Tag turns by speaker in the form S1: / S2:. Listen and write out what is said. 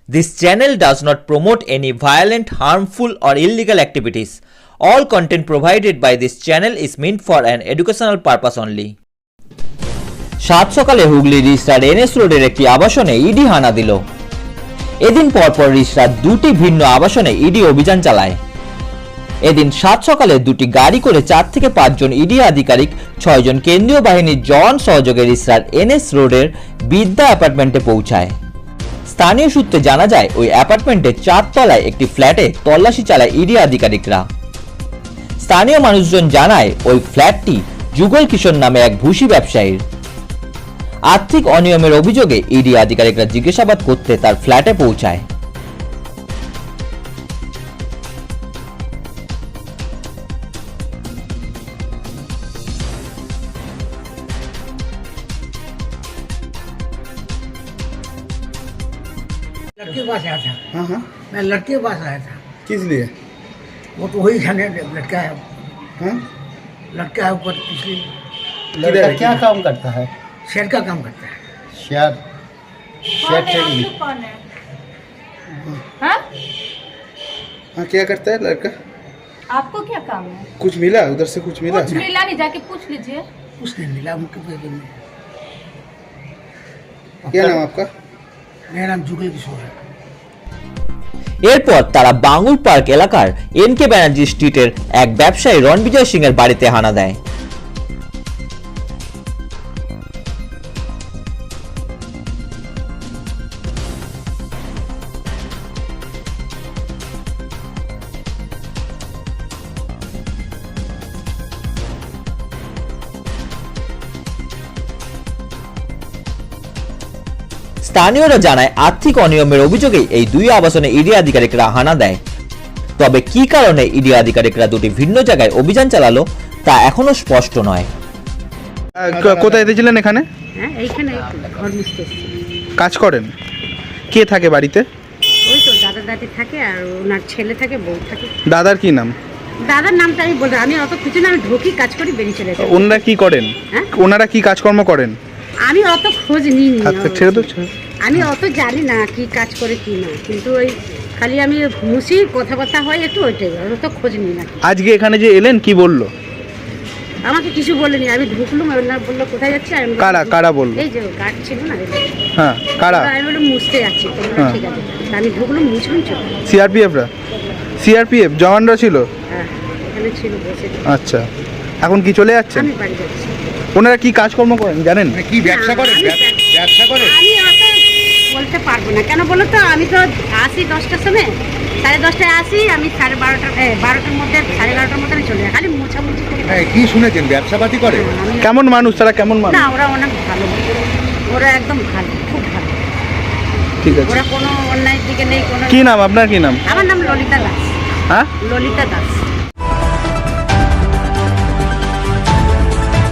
S1: This channel does not promote any violent, harmful, or illegal activities. All content provided by this channel is meant for an educational purpose only. সাত সকালে Hooghly রিষড়ার NS রোডের একটি আবাসনে ED হানা দিল। এদিন পরপর রিষড়ার দুটি ভিন্ন আবাসনে ইডি অভিযান চালায়। এদিন সাত সকালে দুটি গাড়ি করে 4 থেকে 5 জন ইডি আধিকারিক 6 জন কেন্দ্রীয় বাহিনীর জওয়ান সহযোগে রিষড়ার এনএস রোডের বিদ্যা অ্যাপার্টমেন্টে পৌঁছায়। স্থানীয় সূত্রে জানা যায় ওই অ্যাপার্টমেন্টের 4 তলায় একটি ফ্ল্যাটে তল্লাশি চালায় ইডি আধিকারিকরা। স্থানীয় মানুষজন জানায় ওই ফ্ল্যাটটি যুগল কিশোর নামে এক ভুসি ব্যবসায়ীর। আর্থিক অনিয়মের অভিযোগে ইডি আধিকারিকরা জিজ্ঞাসাবাদ করতে তার ফ্ল্যাটে পৌঁছায়।
S2: लड़के के पास आया था।
S3: हाँ
S2: मैं लड़के के पास आया था।
S3: किस लिए?
S2: वो तो वही खाने लड़का है,
S3: हाँ
S2: लड़का है ऊपर पिछले
S3: लड़का क्या
S4: काम करता है?
S2: शेर का काम करता है।
S4: Share share trading.
S5: कौन है? हाँ?
S3: हाँ क्या करता है लड़का?
S5: आपको क्या काम है?
S3: कुछ मिला उधर से? कुछ मिला?
S5: कुछ मिला नहीं, जाके पूछ लीजिए।
S2: कुछ नहीं मिला उनके पेपर में।
S3: क्या नाम आपका?
S2: मेरा नाम जुगल किशोर है।
S1: এরপর তারা বাঙ্গুর পার্ক এলাকার এনকে ব্যানার্জি স্ট্রিটের এক ব্যবসায়ী রণবিজয় সিং এর বাড়িতে হানা দেয়। স্থানীয়রা জানায় আর্থিক অনিয়মের অভিযোগে এই দুই আবাসনে ইডি আধিকারিকরা হানা দেয়। তবে কি কারণে ইডি আধিকারিকরা দুটি ভিন্ন জায়গায় অভিযান চালালো তা এখনো স্পষ্ট নয়।
S3: কোথায় এসেছিলেন এখানে?
S6: হ্যাঁ এইখানে ঘর মুছতে এসেছি।
S3: কাজ করেন? কে থাকে বাড়িতে?
S6: ওই তো দাদা দাদি থাকে আর ওনার ছেলে থাকে, বউ থাকে।
S3: দাদার কি নাম?
S6: দাদার নামটা আমি বলতে আমি অত কিছু না, আমি ঢুকি কাজ করি বেরিয়ে চলে যাই।
S3: ওনারা কি করেন?
S6: হ্যাঁ?
S3: ওনারা কি কাজকর্ম করেন?
S6: আমি অত খোঁজ নিইনি,
S3: আচ্ছা ছেড়ে তো ছেড়ে।
S6: আমি অত জানি না কি কাজ করে কি না, কিন্তু ওই খালি আমি মুছি কথাবার্তা হয় একটু, ওইটাই অত খোঁজ নিই না।
S3: আজকে এখানে যে এলেন কি বললো?
S6: আমাকে কিছু বলেনি, আমি ঢুকলুম, ওনার বললো কোথায় যাচ্ছি। আমি বললাম,
S3: কারা কারা বললো?
S6: এই যে গার্ড ছিল না,
S3: হ্যাঁ কারা?
S6: আমি বললাম মুছতে যাচ্ছি।
S3: হ্যাঁ।
S6: ঠিক আছে, তা আমি ঢুকলুম, মুছলুম, চল।
S3: সিআরপিএফরা? সিআরপিএফ জওয়ানরা ছিল?
S6: হ্যাঁ এখানে ছিল বসে।
S3: আচ্ছা এখন কি চলে যাচ্ছেন?
S6: আমি বাড়ি যাচ্ছি।
S3: ওনারা কি কাজকর্ম করেন জানেন? কি ব্যবসা করেন? ব্যবসা করেন?
S6: আমি অত বলতে পারবো না, কেন বলো তো, আমি তো আসি 10টার সময়, 10:30টায় আসি, আমি 12টার মধ্যে 11:30টার মধ্যে আমি চলে যাই, খালি মোছামুছি করি।
S3: কি শুনেছেন ব্যবসাপাতি করে?
S6: আমি-
S3: কেমন মানুষ তারা? কেমন মানুষ?
S6: না ওরা অনেক ভালো, ওরা একদম ভালো, খুব ভালো।
S3: ঠিক আছে।
S6: ওরা কোনো অন্যায়ের দিকে নেই। কোনো
S3: কি নাম আপনার? কি নাম?
S6: আমার নাম ললিতা দাস।
S3: হ্যাঁ
S6: ললিতা দাস।